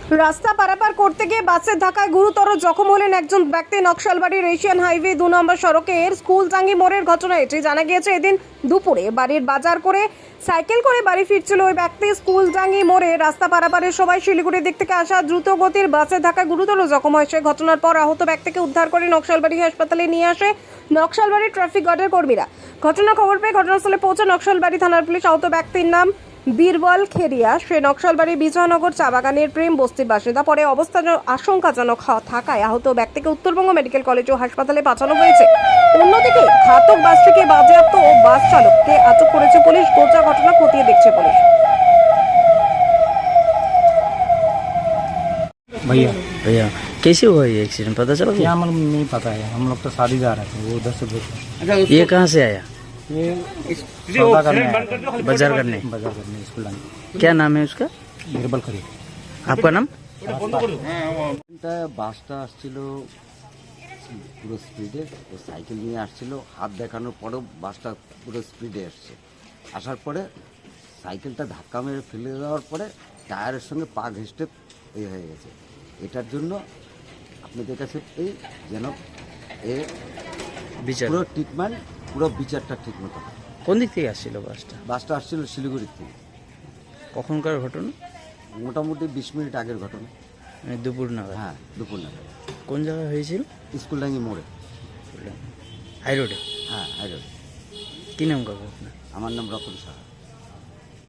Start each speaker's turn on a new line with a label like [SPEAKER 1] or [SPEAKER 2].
[SPEAKER 1] রাস্তা পারাপার করতে গিয়ে বাসের ধাক্কায় গুরুতর জখম হলেন একজন ব্যক্তি। নকশালবাড়ির এশিয়ান হাইওয়ে 2 নম্বর সড়কের স্কুলজাঙ্গি মোড়ের ঘটনা এটি। জানা গিয়েছে এদিন দুপুরে বাড়ির বাজার করে সাইকেল করে বাড়ি ফিরছিল ওই ব্যক্তি। স্কুলজাঙ্গি মোড়ে রাস্তা পারাপারের সময় শিলিগুড়ির দিক থেকে আসা দ্রুত গতির বাসের ধাক্কায় গুরুতর জখম হয় সে। ঘটনার পর আহত ব্যক্তিকে উদ্ধার করে নকশালবাড়ি হাসপাতালে নিয়ে আসে নকশালবাড়ি ট্রাফিক গার্ডের কর্মীরা। ঘটনার খবর পেয়ে ঘটনাস্থলে পৌঁছে নকশালবাড়ি থানার পুলিশ। আহত ব্যক্তির নাম বীরবল খেরিয়া, সে নকশালবাড়ি বিজয়নগর চা বাগানের প্রেম বস্তির বাসিন্দা। পরে অবস্থা আশঙ্কাজনক থাকায় আহত ব্যক্তিকে উত্তরবঙ্গ মেডিকেল কলেজ ও হাসপাতালে পাঠানো হয়েছে। অন্যদিকে ঘাতক বাসটিকে বাজেয়াপ্ত ও বাস চালককে আটক করেছে পুলিশ। গোটা ঘটনা খতিয়ে দেখছে পুলিশ।
[SPEAKER 2] भैया
[SPEAKER 3] भैया कैसे हुआ ये एक्सीडेंट, पता चला
[SPEAKER 2] क्या मतलब नहीं पता है। हम लोग तो शादी जा रहे थे, वो उधर से देखे।
[SPEAKER 3] ये कहाँ से आया?
[SPEAKER 2] ये सौदा करने आया था,
[SPEAKER 3] बाजार करने।
[SPEAKER 2] बाजार करने स्कूल लाने।
[SPEAKER 3] क्या नाम है उसका?
[SPEAKER 2] बीरबल खरीद
[SPEAKER 3] आपका नाम?
[SPEAKER 4] বাসটা আসছিল পুরো স্পিডে, ও সাইকেল নিয়ে আসছিল। হাত দেখানোর পরেও বাসটা পুরো স্পিডে এসছে। আসার পরে সাইকেলটা ধাক্কা মেরে ফেলে দেওয়ার পরে টায়ারের সঙ্গে পা ঘেঁষটে হয়ে গেছে। এটার জন্য আপনাদের কাছে এই যেন এর
[SPEAKER 3] বিচার
[SPEAKER 4] পুরো ট্রিটমেন্ট, পুরো বিচারটা ঠিক মতো হয়।
[SPEAKER 3] কোন দিক থেকে আসছিল বাসটা?
[SPEAKER 4] বাসটা আসছিল শিলিগুড়ির থেকে।
[SPEAKER 3] কখনকার ঘটনা?
[SPEAKER 4] মোটামুটি 20 মিনিট আগের ঘটনা।
[SPEAKER 3] মানে দুপুর নাগাদ?
[SPEAKER 4] হ্যাঁ, দুপুর নাগাদ।
[SPEAKER 3] কোন জায়গায় হয়েছিল?
[SPEAKER 4] স্কুলডাঙ্গি মোড়ে।
[SPEAKER 3] হাই রোডে?
[SPEAKER 4] হ্যাঁ, হাইরোড।
[SPEAKER 3] কি নাম কাকু আপনার?
[SPEAKER 4] আমার নাম রতন সাহা।